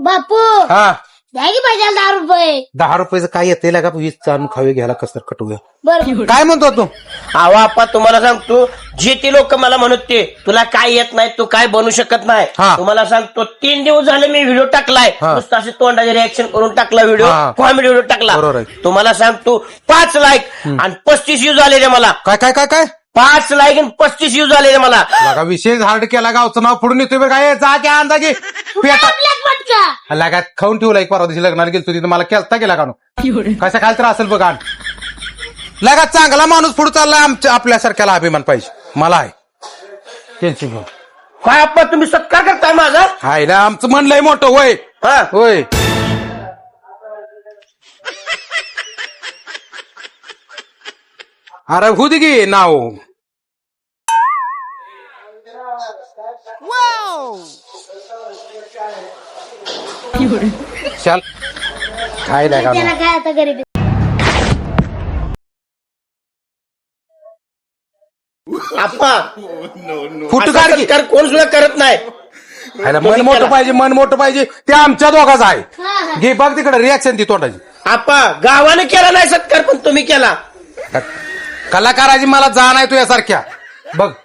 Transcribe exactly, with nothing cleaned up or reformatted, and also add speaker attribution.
Speaker 1: बापू
Speaker 2: हा
Speaker 1: द्या की पाहिजे दहा रुपये.
Speaker 2: दहा रुपयाचं काय येते लागा वीस आणून खावे घ्यायला कसं कटूया.
Speaker 1: बरं
Speaker 2: काय म्हणतो तू?
Speaker 3: अहो आप्पा तुम्हाला सांगतो जे ते लोक मला म्हणत ते तुला काय येत नाही तू काय बनू शकत नाही.
Speaker 2: हा.
Speaker 3: तुम्हाला सांगतो तीन दिवस झाले मी व्हिडिओ टाकलाय
Speaker 2: हा.
Speaker 3: नुसतं असे तोंडाचे रिएक्शन करून टाकला व्हिडिओ
Speaker 2: हा.
Speaker 3: कॉमेडी व्हिडिओ टाकला.
Speaker 2: बरोबर आहे.
Speaker 3: तुम्हाला सांगतो पाच लाईक आणि पस्तीस व्ह्यूज आले रे मला.
Speaker 2: काय काय काय काय
Speaker 3: पाच लाईक आणि पस्तीस व्ह्यूज आले रे मला.
Speaker 2: लागा विशेष हार्ड केला गावचं नाव फोडून येतोय बे काय जा की अंदाजे पेटा
Speaker 1: आपल्यात पटका.
Speaker 2: लागा खाऊन ठेवला एक परवा दिवशी लग्नाला गेलो तिथं मला केलता गेला का कशा खाल तर असेल बघा लागा चांगला माणूस पुढे चालला आमच्या आपल्यासारख्याला अभिमान पाहिजे मला आहे टेन्शन घेऊन
Speaker 3: काय आप्पा तुम्ही सत्कार करताय माझा.
Speaker 2: हाय ना आमचं मन लय मोठं होय
Speaker 3: हा
Speaker 2: होय अरे होऊ दे की नाव चल काय नाही का
Speaker 1: त्याला काय आता गरीब
Speaker 3: आप्पा
Speaker 2: फुट
Speaker 3: असा
Speaker 2: काढ की
Speaker 3: सत्कार कोण सुद्धा करत नाही.
Speaker 2: हाय ना, मन मोठं पाहिजे मन मोठं पाहिजे ते आमच्या दोघाचं
Speaker 1: हा,
Speaker 2: आहे
Speaker 1: हा.
Speaker 2: घे बघ तिकडे रिॲक्शन ती तोंडाची
Speaker 3: आप्पा गावाने केला नाही सत्कार पण तुम्ही केला.
Speaker 2: कलाकाराची मला जाण आहे तुझ्यासारख्या बघ